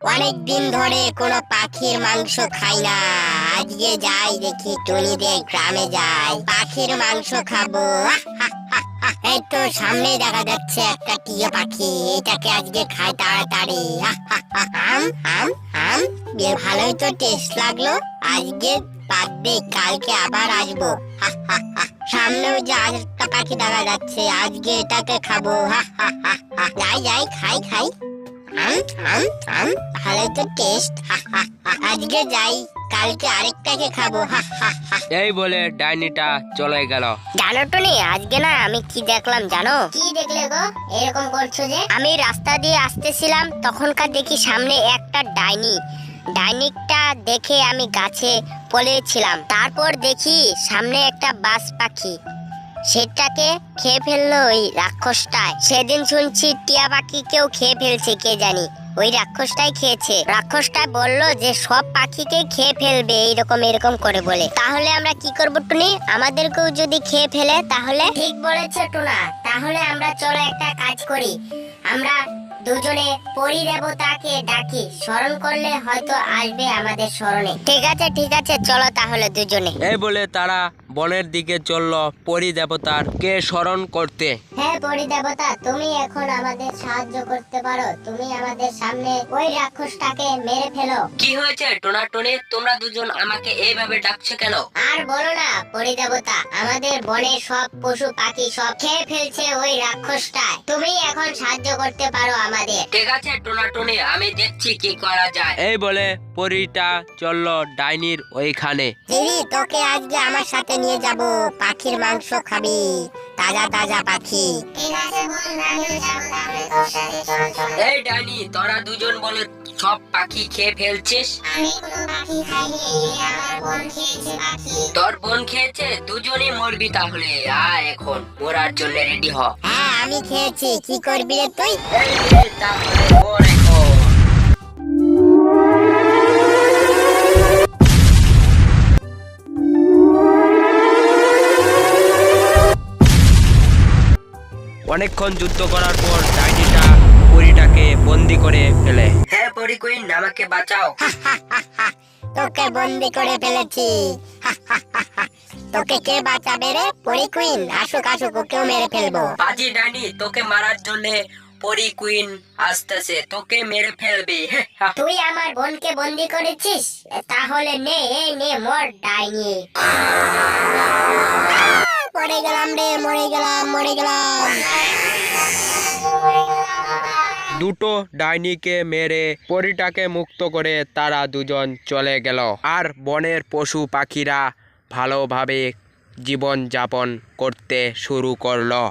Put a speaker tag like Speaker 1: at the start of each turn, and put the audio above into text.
Speaker 1: অনেক দিন ধরে কোনো পাখির মাংস খাই না। আজকে যাই দেখি টুনিদের গ্রামে যাই, পাখির মাংস খাবো। এই তো সামনে দেখা যাচ্ছে একটা টিয়া পাখি, এটাকে আজকে খাই তাড়াতাড়ি। আম আম আম, বেশ ভালোই তো টেস্ট লাগলো। আজকে বাদ দে, কালকে আবার আসবো। সামনেও যে আরেকটা পাখি দেখা যাচ্ছে, আজকে এটাকে খাবো। যাই যাই, খাই খাই। ভালোই তো টেস্ট। আজকে যাই, কালকে আরেকটাকে খাবো।
Speaker 2: এই বলে ডাইনিটা চলে গেল।
Speaker 1: জানো টুনি, আজকে না আমি কি দেখলাম জানো? কি দেখলে গো, এরকম করছো যে? আমি রাস্তা দিয়ে আসতেছিলাম, তখনকার দেখি সামনে একটা ডাইনিকটা দেখে আমি গাছে পড়েছিলাম। তারপর দেখি সামনে একটা বাজ পাখি, সেটাকে খেয়ে ফেললো ওই রাক্ষসটায়। সেদিন শুনছি টিয়া পাখিকেও খেয়ে ফেলছে, কে জানি ওই রাক্ষসটাই খেয়েছে। রাক্ষসটা বললো যে সব পাখিকে খেয়ে ফেলবে, এরকম করে বলে। তাহলে আমরা কি করবো টুনি? আমাদেরকেও যদি খেয়ে ফেলে তাহলে? ঠিক বলেছে টুনা, তাহলে আমরা চলো একটা কাজ করি, আমরা দুজনে পরি দেবতাকে ডাকি, স্মরণ করলে হয়তো আসবে আমাদের স্মরণে। ঠিক আছে, চলো তাহলে দুজনে।
Speaker 2: এই বলে তারা বনের দিকে চলল পরি দেবতার কে স্মরণ করতে।
Speaker 1: হ্যাঁ পরি দেবতা, তুমি এখন আমাদের সাহায্য করতে পারো, তুমি আমাদের সামনে ওই রাক্ষসটাকে মেরে ফেলো।
Speaker 2: কি হয়েছে টোনা টনি, তোমরা দুজন আমাকে এইভাবে ডাকছো কেন?
Speaker 1: আর বলো না পরি দেবতা, আমাদের বনে সব পশু পাখি সব খেয়ে ফেলছে ওই রাক্ষসটায়, তুমি এখন সাহায্য করতে পারো আমাদের।
Speaker 2: ঠিক আছে টোনা টনি, আমি দেখছি কি করা যায়। এই বলে পরিটা চলল ডাইনির ওইখানে।
Speaker 1: দিদি, তোকে আজকে আমার সাথে নিয়ে যাব, পাখির মাংস খাবি, তাজা তাজা পাখি। ঠিক আছে বল, আমিও যাব তাহলে তোর সাথে, চল চল।
Speaker 2: এই ডাইনি, তোরা দুজন বলে সব পাখি খেয়ে ফেলছিস?
Speaker 1: আমি কোনো পাখি খাইনি, আমার বোন খেয়েছে পাখি।
Speaker 2: তোর বোন খেয়েছে? দুজনই মরবি তাহলে। আয় এখন মরার জন্য রেডি হ।
Speaker 1: হ্যাঁ আমি খেয়েছি, কি করবি রে তুই?
Speaker 2: এই রে, তাহলে মর এখন। অনেকক্ষণ যুদ্ধ করার পর ডাইনিটা পরীটাকে বন্দি করে ফেলে। হ্যাঁ পরি কুইন, আমাকে বাঁচাও।
Speaker 1: তোকে বন্দি করে ফেলেছি। তোকে কে বাঁচাবে রে? পরি কুইন আসুক, ওকেও মেরে ফেলবো।
Speaker 2: বাজি ডাইনি, তোকে মারার জন্য পরি কুইন আসতেছে, তোকে মেরে ফেলবে।
Speaker 1: তুই আমার বোনকে বন্দি করেছিস, তাহলে নে, এই নে মর ডাইনি। মরে গেলাম রে, মরে গেলাম।
Speaker 2: দুটো ডাইনিকে মেরে পরীটাকে মুক্ত করে তারা দুজন চলে গেল। আর বনের পশু পাখিরা ভালোভাবে জীবন যাপন করতে শুরু করলো।